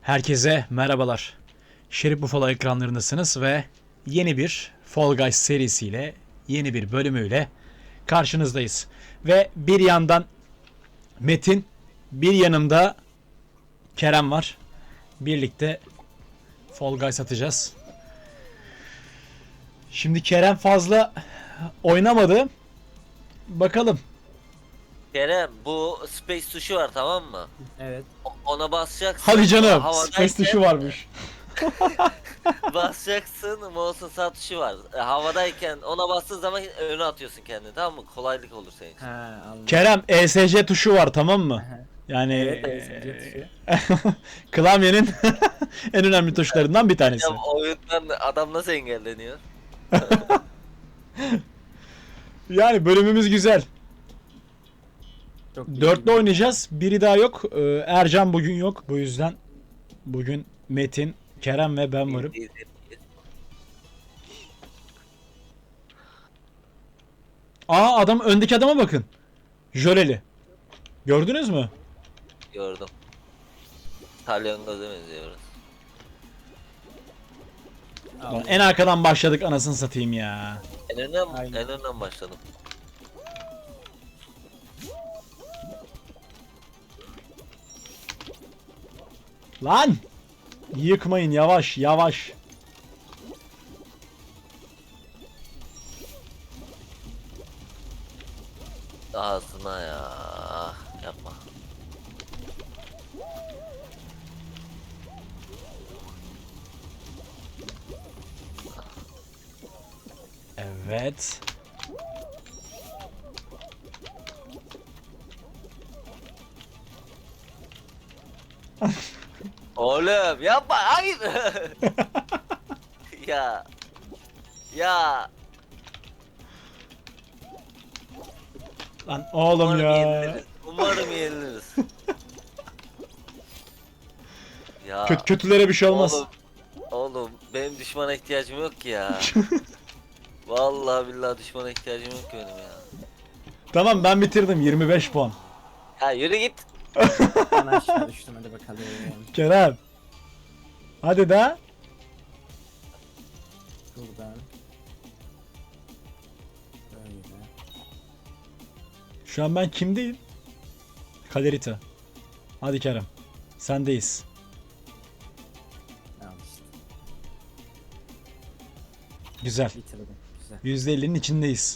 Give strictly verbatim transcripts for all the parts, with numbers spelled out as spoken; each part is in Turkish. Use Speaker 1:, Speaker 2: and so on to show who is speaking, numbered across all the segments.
Speaker 1: Herkese merhabalar. Şerif Buffalo ekranlarındasınız ve yeni bir Fall Guys serisiyle, yeni bir bölümüyle karşınızdayız. Ve bir yandan Metin, bir yanımda Kerem var. Birlikte Fall Guys atacağız. Şimdi Kerem fazla oynamadı. Bakalım.
Speaker 2: Kerem, bu space tuşu var, tamam mı?
Speaker 3: Evet.
Speaker 2: O- Ona basacaksın.
Speaker 1: Hadi canım.
Speaker 2: havadayken
Speaker 1: Space tuşu varmış.
Speaker 2: Basacaksın. Mouse'un sağ tuşu var. E, havadayken ona bastığın zaman öne atıyorsun kendini, tamam mı? Kolaylık olur senin için.
Speaker 3: Ha, anladım.
Speaker 1: Kerem E S C tuşu var, tamam mı?
Speaker 3: Aha.
Speaker 1: Yani
Speaker 3: Evet, E S C tuşu.
Speaker 1: klavyenin en önemli tuşlarından bir tanesi.
Speaker 2: Ya oyundan adam nasıl engelleniyor?
Speaker 1: Yani bölümümüz güzel.
Speaker 3: Çok iyi.
Speaker 1: Dörtlü oynayacağız. Biri daha yok. Ee, Ercan bugün yok. Bu yüzden bugün Metin, Kerem ve ben varım. Aa, adam, öndeki adama bakın. Jöleli. Gördünüz mü?
Speaker 2: Gördüm. Talyon gözü benziyoruz.
Speaker 3: Al.
Speaker 1: Lan en arkadan başladık, anasını satayım ya.
Speaker 2: En önden,
Speaker 3: Aynen.
Speaker 2: en önden başladım.
Speaker 1: Lan! Yıkmayın, yavaş yavaş.
Speaker 2: Ağzına ya. Yapma.
Speaker 1: Evet.
Speaker 2: Oğlum yapma, hayır. Ya. Ya.
Speaker 1: Lan oğlum
Speaker 2: Umarım
Speaker 1: ya.
Speaker 2: yeniliriz. Umarım yeniliriz. Ya.
Speaker 1: Kötü kötülere bir şey olmaz.
Speaker 2: Oğlum, oğlum benim düşmana ihtiyacım yok ki ya. Vallahi billahi düşmana ihtiyacım yok ki benim ya.
Speaker 1: Tamam, ben bitirdim, yirmi beş puan.
Speaker 2: Ya yürü git.
Speaker 3: Ben aşağı düştüm, hadi bakalım.
Speaker 1: Kerem. Hadi da.
Speaker 3: Buradan. Böyle.
Speaker 1: Şu an ben kimdeyim? Kalerita. Hadi Kerem. Sendeyiz.
Speaker 3: Al işte.
Speaker 1: Güzel.
Speaker 3: Bitirdim. Güzel.
Speaker 1: yüzde ellinin içindeyiz.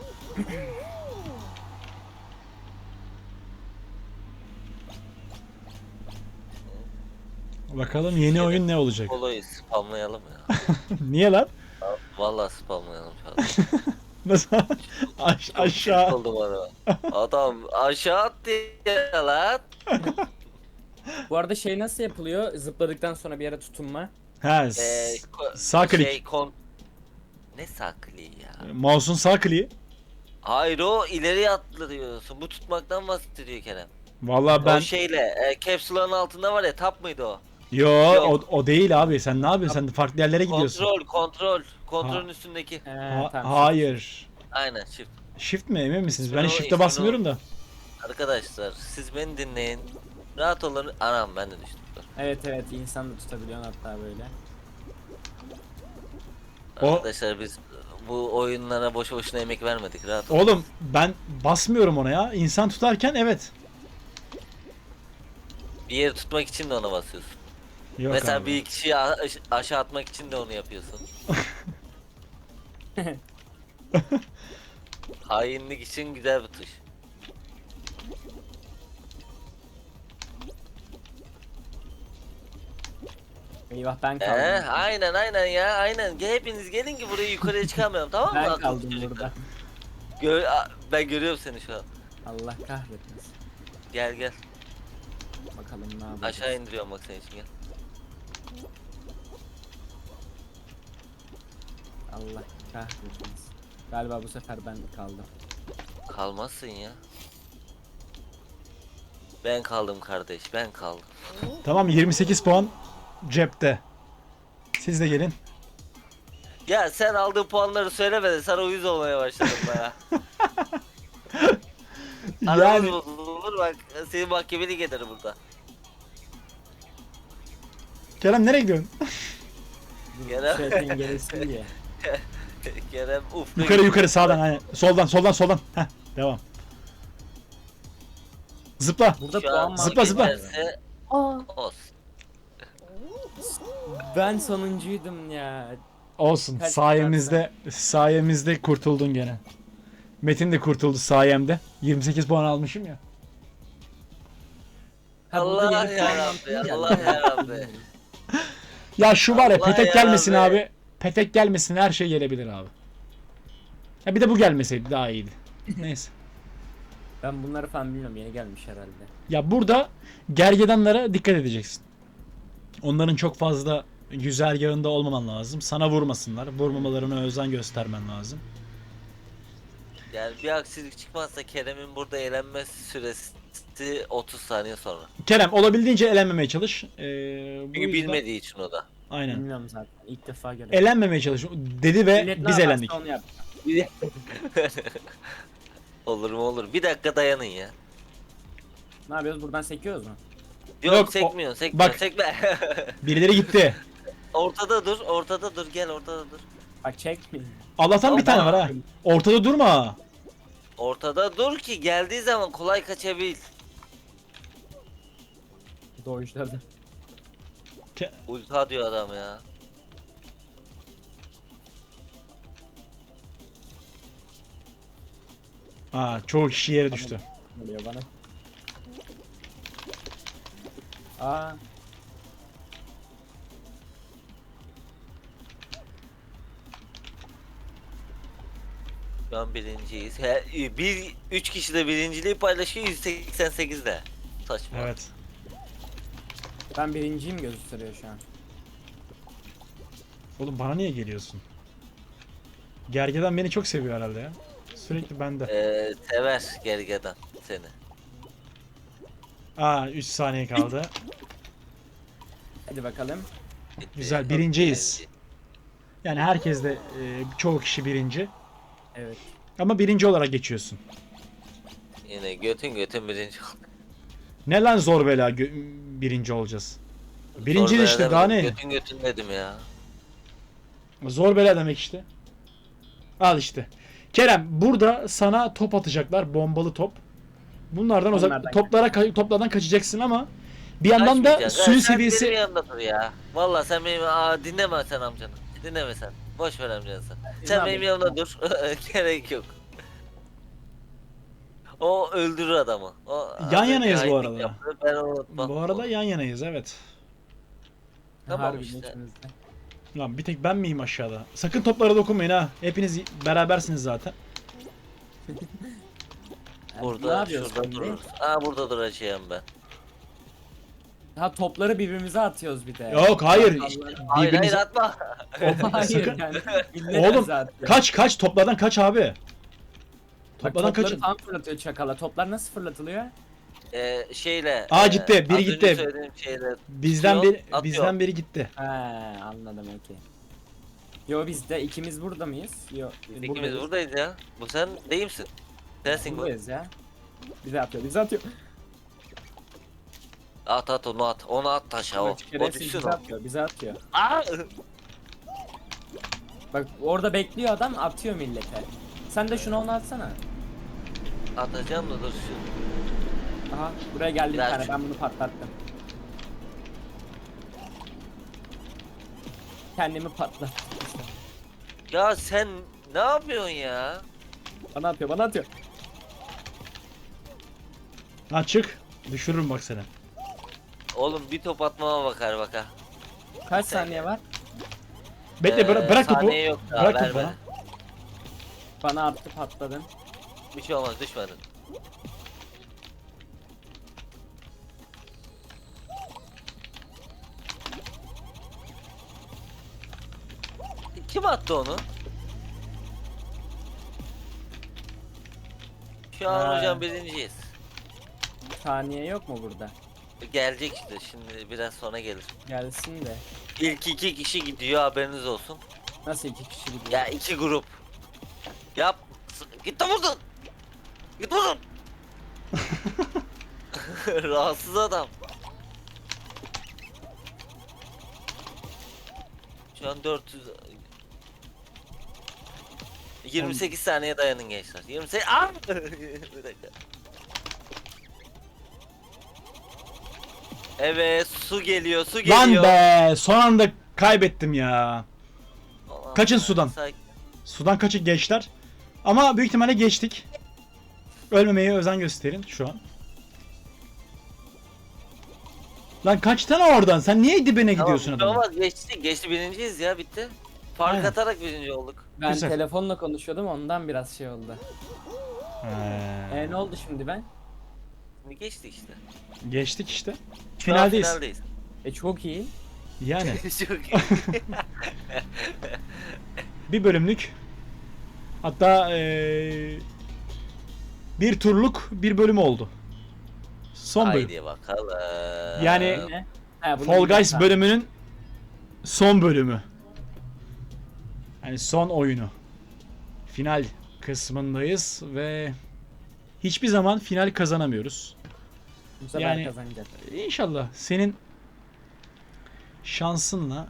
Speaker 1: Bakalım yeni oyun ne olacak?
Speaker 2: Koloyu spamlayalım ya.
Speaker 1: Niye lan?
Speaker 2: Vallahi spamlayalım şu an.
Speaker 1: Nasıl? Aş-
Speaker 2: Çok
Speaker 1: aşağı.
Speaker 2: tilt oldum ara. Adam aşağı attı ya lan.
Speaker 3: Bu arada şey nasıl yapılıyor? Zıpladıktan sonra bir yere tutunma.
Speaker 1: Ha,
Speaker 2: Ee,
Speaker 1: s-
Speaker 2: ko-
Speaker 1: sağ klik.
Speaker 2: Şey, kon... Ne saklı ya?
Speaker 1: Mouse'un sağ kliği.
Speaker 2: Hayır, o ileriye atlıyorsun. Bu tutmaktan bahsediyor Kerem.
Speaker 1: Vallahi ben
Speaker 2: O şeyle e, capsule'ın altında var ya, tap mıydı o?
Speaker 1: yo
Speaker 2: Yok.
Speaker 1: o, o değil abi. Sen ne yapıyorsun? Sen farklı yerlere gidiyorsun.
Speaker 2: Kontrol, kontrol. Kontrolün
Speaker 1: Ha.
Speaker 2: üstündeki.
Speaker 3: He,
Speaker 1: Ha-
Speaker 3: tamam.
Speaker 1: hayır.
Speaker 2: Aynen, shift.
Speaker 1: Shift mi, emin misiniz? Ben
Speaker 2: İsmini o-
Speaker 1: shift'e
Speaker 2: ismini
Speaker 1: basmıyorum
Speaker 2: o-
Speaker 1: da.
Speaker 2: Arkadaşlar siz beni dinleyin. Rahat olun. Anam ben de düştüm. Dur.
Speaker 3: Evet evet, insan da tutabiliyorsun hatta böyle.
Speaker 1: O-
Speaker 2: Arkadaşlar biz bu oyunlara boşu boşuna emek vermedik. Rahat olun.
Speaker 1: Oğlum ben basmıyorum ona ya. İnsan tutarken evet.
Speaker 2: Bir yeri tutmak için de ona basıyorsun.
Speaker 1: Yok
Speaker 2: Mesela
Speaker 1: abi.
Speaker 2: bir kişiyi a- aş- aşağı atmak için de onu yapıyorsun. Hainlik için güzel bir tuş.
Speaker 3: Eyvah, ben
Speaker 2: Ee,
Speaker 3: kaldım.
Speaker 2: aynen aynen ya, aynen. Gel, hepiniz gelin ki buraya yukarıya çıkamayalım, tamam mı?
Speaker 3: Ben
Speaker 2: Akıllı
Speaker 3: kaldım
Speaker 2: çocuklar.
Speaker 3: burada.
Speaker 2: Gör, a- ben görüyorum seni şu an.
Speaker 3: Allah kahretmesin.
Speaker 2: Gel gel.
Speaker 3: Bakalım ne yapacağız.
Speaker 2: Aşağı indiriyorum bak senin için, gel.
Speaker 3: Allah kahretmesin. Galiba bu sefer ben kaldım.
Speaker 2: Kalmazsın ya. Ben kaldım kardeş, ben kaldım.
Speaker 1: Tamam, yirmi sekiz puan cepte. Siz de gelin.
Speaker 2: Ya sen aldığın puanları söyleme de sana uyuz olmaya başladım baya. Aramız
Speaker 1: Yani
Speaker 2: bozulur bak, seni mahkemelik eder burada.
Speaker 1: Kerem nereye gidiyorsun?
Speaker 2: Kerem.
Speaker 3: Şey dengelesin diye.
Speaker 2: Kerem uf.
Speaker 1: Yukarı yukarı sağdan hani. Soldan soldan soldan. Heh, devam. Zıpla.
Speaker 3: Burada
Speaker 2: Şu
Speaker 3: puan
Speaker 2: an
Speaker 3: var.
Speaker 1: Zıpla, zıpla.
Speaker 2: geçerse
Speaker 3: Aa,
Speaker 2: olsun.
Speaker 3: ben sonuncuydum ya.
Speaker 1: Olsun.
Speaker 3: Kaç
Speaker 1: Sayemizde sayemizde kurtuldun gene. Metin de kurtuldu sayemde. yirmi sekiz puan almışım ya.
Speaker 3: Ha, burada
Speaker 2: Allah
Speaker 3: yeni puan
Speaker 2: yarabbi,
Speaker 3: mantığı geldi.
Speaker 2: Allah yarabbi.
Speaker 1: Ya şu var ya
Speaker 2: Allah
Speaker 1: petek
Speaker 2: ya
Speaker 1: gelmesin
Speaker 2: be.
Speaker 1: abi. Petek gelmesin her şey gelebilir abi. Ya bir de bu gelmeseydi daha iyiydi. Neyse.
Speaker 3: Ben bunları falan bilmiyorum, yeni gelmiş herhalde.
Speaker 1: Ya burada gergedanlara dikkat edeceksin. Onların çok fazla güzergahında olmaman lazım. Sana vurmasınlar. Vurmamalarına özen göstermen lazım.
Speaker 2: Yani bir aksilik çıkmazsa Kerem'in burada eğlenme süresi otuz saniye sonra.
Speaker 1: Kerem olabildiğince elenmemeye çalış. Ee, bu
Speaker 2: Çünkü
Speaker 1: yüzden-
Speaker 2: bilmediği için o da.
Speaker 1: Aynen.
Speaker 3: Bilmiyorum zaten. İlk defa görüyorum.
Speaker 1: Elenmemeye çalış. Dedi ve
Speaker 3: Millet ne
Speaker 1: biz
Speaker 3: yaparsa
Speaker 1: elendik.
Speaker 3: onu yap.
Speaker 2: Olur mu olur. Bir dakika dayanın ya.
Speaker 3: Ne yapıyoruz? Buradan sekiyoruz mu?
Speaker 2: Yok,
Speaker 1: Yok, o-
Speaker 2: sekmiyorsun sekmiyorsun
Speaker 1: bak.
Speaker 2: sekme.
Speaker 1: Birileri gitti.
Speaker 2: Ortada dur ortada dur gel ortada dur.
Speaker 3: Bak çekmeyin.
Speaker 1: Allah'tan bir tane var ha. Ortada durma.
Speaker 2: Ortada dur ki geldiği zaman kolay kaçabil.
Speaker 3: Doğuşladı.
Speaker 1: Ke-
Speaker 2: Ulta diyor adam ya.
Speaker 1: Aa, çoğu kişi yere düştü.
Speaker 3: Geliyor bana. Aa.
Speaker 2: Şu an birinciyiz. He, bir, üç kişi de birinciliği paylaşıyor yüz seksen sekizde. Saçma.
Speaker 1: Evet.
Speaker 3: Ben birinciyim gösteriyor şu an.
Speaker 1: Oğlum bana niye geliyorsun? Gergedan beni çok seviyor herhalde ya. Sürekli bende.
Speaker 2: Ee, sever gergedan seni.
Speaker 1: Aa üç saniye kaldı.
Speaker 3: Hadi bakalım.
Speaker 2: Bitti.
Speaker 1: Güzel, birinciyiz. Yani herkes de e, çoğu kişi birinci.
Speaker 3: Evet.
Speaker 1: Ama birinci olarak geçiyorsun.
Speaker 2: Yine götün götün birinci.
Speaker 1: Ne lan zor bela gö- birinci olacağız. Birinci
Speaker 2: Zor
Speaker 1: işte
Speaker 2: bela
Speaker 1: daha
Speaker 2: demedim,
Speaker 1: ne?
Speaker 2: Götün götün dedim ya.
Speaker 1: Zor bela demek işte. Al işte. Kerem burada sana top atacaklar. Bombalı top. Bunlardan uzak
Speaker 3: Onlardan
Speaker 1: toplara ka- toplardan kaçacaksın ama bir yandan da
Speaker 2: Kaçmayacaksın.
Speaker 1: suyu
Speaker 2: Ha, sen
Speaker 1: seviyesi
Speaker 2: benim yanımda dur ya. Valla sen benim aa, dinleme sen amcanı. Dinleme sen. Boş ver amcanı sen. Sen
Speaker 3: Ne
Speaker 2: benim
Speaker 3: yapayım?
Speaker 2: yanımda dur. Gerek yok. O öldürür adamı. O,
Speaker 1: Yan
Speaker 2: az
Speaker 1: yanayız
Speaker 2: önce
Speaker 1: bu
Speaker 2: hainlik
Speaker 1: arada.
Speaker 2: yaptı, Ben onu unutmam.
Speaker 1: bu arada yan yanayız evet.
Speaker 2: Tamam
Speaker 3: Harbi
Speaker 2: işte.
Speaker 3: içimizde.
Speaker 1: Lan bir tek ben miyim aşağıda? Sakın toplara dokunmayın ha. Hepiniz berabersiniz zaten.
Speaker 3: Yani ne
Speaker 2: Burada
Speaker 3: yapıyoruz
Speaker 2: şurada
Speaker 3: şimdi?
Speaker 2: dururuz. Aa burada duracağım ben.
Speaker 3: Ha, topları birbirimize atıyoruz bir de.
Speaker 1: Yok hayır.
Speaker 3: Allah-
Speaker 2: Hayır
Speaker 1: Birbirinize-
Speaker 2: hayır atma.
Speaker 3: Hayır
Speaker 1: Sakın-
Speaker 3: yani. millet
Speaker 1: Oğlum
Speaker 3: bize atıyor.
Speaker 1: kaç kaç toplardan kaç abi.
Speaker 3: Bak,
Speaker 1: Toplardan
Speaker 3: topları
Speaker 1: kaçın.
Speaker 3: tam fırlatıyor çakala. Toplar nasıl fırlatılıyor?
Speaker 2: Ee, şeyle.
Speaker 1: Aa,
Speaker 2: e,
Speaker 1: gitti, biri
Speaker 2: az önce
Speaker 1: gitti.
Speaker 2: söylediğim şeyle.
Speaker 1: Bizden
Speaker 2: Atıyor,
Speaker 1: bir
Speaker 2: atıyor.
Speaker 1: bizden biri gitti.
Speaker 3: He, anladım okey. Yo biz de ikimiz burada mıyız? Yo
Speaker 2: İkimiz
Speaker 3: buradayız.
Speaker 2: buradayız ya. Bu sen değil misin? Sensin bu.
Speaker 3: Buradayız ya. Bize atıyor, bize atıyor.
Speaker 2: At at onu at. Onu at taşa o. O
Speaker 3: Şerefsiz
Speaker 2: düşsün
Speaker 3: bize
Speaker 2: o.
Speaker 3: atıyor, bize atıyor.
Speaker 2: Aa!
Speaker 3: Bak orada bekliyor adam, atıyor millete. Sen de şunu ona atsana.
Speaker 2: Atacağım da dur şu.
Speaker 3: Aha buraya geldi bir
Speaker 2: Ver
Speaker 3: tane,
Speaker 2: şu-
Speaker 3: ben bunu patlattım. Kendimi patlattım.
Speaker 2: Ya sen ne yapıyorsun ya?
Speaker 3: Bana atıyor, bana atıyor.
Speaker 1: Lan çık. Düşürürüm bak seni.
Speaker 2: Oğlum bir top atmama bakar bak ha.
Speaker 3: Kaç saniye var?
Speaker 1: Bekle bıra-
Speaker 2: Ee,
Speaker 1: bırak topu.
Speaker 2: saniye yok daha,
Speaker 1: Bırak topu
Speaker 2: verme.
Speaker 1: bana.
Speaker 3: Bana attı, patladın.
Speaker 2: Bir şey olmaz düşmedin. Kim attı onu? Şu an
Speaker 3: Ha.
Speaker 2: hocam birinciyiz.
Speaker 3: Saniye yok mu burada?
Speaker 2: Gelecek işte şimdi biraz sonra gelir.
Speaker 3: Gelsin de.
Speaker 2: İlk iki kişi gidiyor haberiniz olsun.
Speaker 3: Nasıl iki kişi gidiyor?
Speaker 2: Ya iki grup. Yap. Git de vurdun. Git vurdun. Rahatsız adam. Şu an dört yüz yirmi sekiz saniye dayanın gençler. yirmi sekiz Aa! Bir dakika. Evet, su geliyor, su geliyor.
Speaker 1: Lan be, son anda kaybettim ya.
Speaker 2: Aman
Speaker 1: Kaçın
Speaker 2: be,
Speaker 1: sudan.
Speaker 2: sakin.
Speaker 1: Sudan kaçık gençler. Ama büyük ihtimalle geçtik. Ölmemeye özen gösterin şu an. Lan kaçtın oradan? Sen niye dibine gidiyorsun
Speaker 2: Tamam,
Speaker 1: adamın?
Speaker 2: ama geçti, geçti birinciyiz ya, bitti. Fark
Speaker 1: Aynen.
Speaker 2: atarak birinci olduk.
Speaker 3: Ben
Speaker 1: Güzel.
Speaker 3: telefonla konuşuyordum ondan biraz şey oldu.
Speaker 1: He.
Speaker 3: E ne oldu şimdi ben?
Speaker 2: Şimdi geçti işte.
Speaker 1: Geçtik işte.
Speaker 2: Şu an
Speaker 1: Finaldeyiz.
Speaker 2: finaldeyiz.
Speaker 3: E çok iyi.
Speaker 1: Yani
Speaker 2: Çok iyi.
Speaker 1: bir bölümlük. Hatta eee, bir turluk bir bölüm oldu. Son bölüm.
Speaker 2: Haydi bakalım.
Speaker 1: Yani-
Speaker 3: Ne? Ha, bunu
Speaker 1: Fall Guys
Speaker 3: biliyorum.
Speaker 1: bölümünün son bölümü. Yani son oyunu. Final kısmındayız ve hiçbir zaman final kazanamıyoruz.
Speaker 3: Bu sefer
Speaker 1: yani-
Speaker 3: kazanacak.
Speaker 1: İnşallah senin şansınla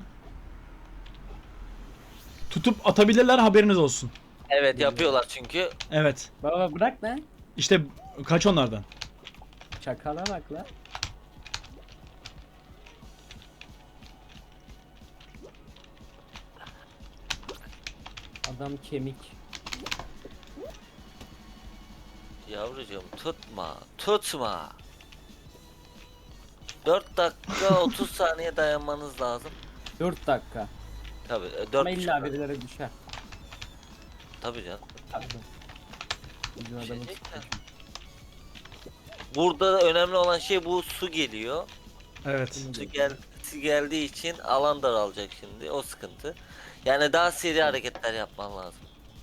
Speaker 1: tutup atabilirler, haberiniz olsun.
Speaker 2: Evet, yapıyorlar çünkü.
Speaker 1: Evet.
Speaker 3: Baba bırak lan.
Speaker 1: İşte kaç onlardan.
Speaker 3: Çakala bak lan. Adam kemik.
Speaker 2: Yavrucuğum tutma, tutma. dört dakika otuz saniye dayanmanız lazım.
Speaker 3: dört dakika.
Speaker 2: Tabii, e, dört
Speaker 3: Ama
Speaker 2: buçuk
Speaker 3: illa
Speaker 2: dakika.
Speaker 3: birileri düşer.
Speaker 2: Tabii canım.
Speaker 3: Abi. Bizim adamı
Speaker 2: Düşecekler. Burada önemli olan şey, bu su geliyor.
Speaker 1: Evet.
Speaker 2: Su, gel, su geldiği için alan daralacak şimdi, o sıkıntı. Yani daha seri hareketler yapman lazım.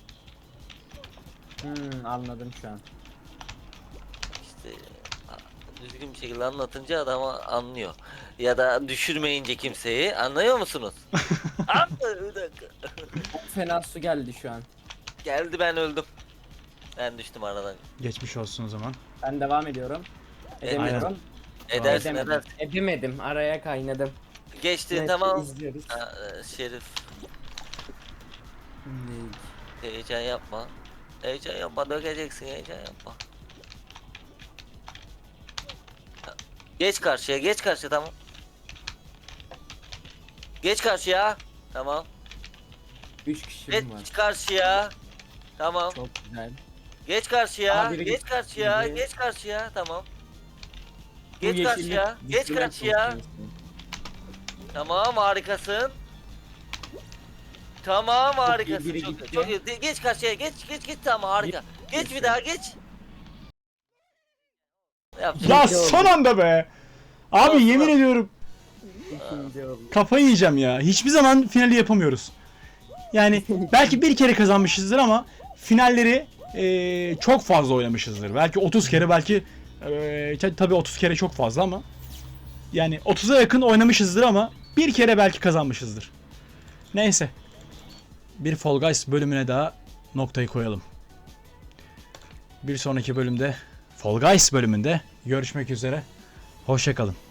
Speaker 3: Hmm, anladım şu an.
Speaker 2: İşte a- düzgün bir şekilde anlatınca adam anlıyor. Ya da düşürmeyince kimseyi, anlıyor musunuz? Aa, bir dakika.
Speaker 3: Çok fena su geldi şu an.
Speaker 2: Geldi, ben öldüm. Ben düştüm aradan.
Speaker 1: Geçmiş olsun o zaman.
Speaker 3: Ben devam ediyorum. Edemiyorum.
Speaker 2: Edersin
Speaker 3: Edemedim.
Speaker 2: edersin.
Speaker 3: Edemedim. Araya kaynadım.
Speaker 2: Geçti,
Speaker 3: Neyse,
Speaker 2: tamam.
Speaker 3: izliyoruz.
Speaker 2: Ha, e, Şerif, heyecan yapma. Heyecan yapma, dökeceksin, heyecan yapma. Geç karşıya, geç karşıya, tamam. Geç karşıya. Tamam.
Speaker 3: Üç kişi
Speaker 2: Geç
Speaker 3: var.
Speaker 2: karşıya. Tamam.
Speaker 3: Çok güzel.
Speaker 2: Geç karşıya.
Speaker 3: Aha, biri
Speaker 2: Geç
Speaker 3: gitti.
Speaker 2: karşıya.
Speaker 3: Biri-
Speaker 2: Geç karşıya. Tamam.
Speaker 3: Bu
Speaker 2: Geç
Speaker 3: yeşillik
Speaker 2: karşıya. Geç
Speaker 3: düşürmek
Speaker 2: karşıya.
Speaker 3: çok iyi.
Speaker 2: Tamam, harikasın. Tamam, harikasın.
Speaker 3: biri
Speaker 2: Çok,
Speaker 3: gitti.
Speaker 2: çok iyi. De- Geç karşıya. Geç geç geç, tamam, harika.
Speaker 3: Bir-
Speaker 2: Geç bir daha, geç. Yap.
Speaker 1: Ya
Speaker 3: İkinci oldu.
Speaker 1: son anda be. Abi
Speaker 2: Olsun.
Speaker 1: yemin ediyorum
Speaker 3: İkinci oldu.
Speaker 1: kafayı yiyeceğim ya. Hiçbir zaman finali yapamıyoruz. Yani belki bir kere kazanmışızdır ama finalleri eee, çok fazla oynamışızdır. Belki otuz kere, belki eee ta- tabii otuz kere çok fazla ama yani otuza yakın oynamışızdır ama bir kere belki kazanmışızdır. Neyse. Bir Fall Guys bölümüne daha noktayı koyalım. Bir sonraki bölümde, Fall Guys bölümünde görüşmek üzere. Hoşça kalın.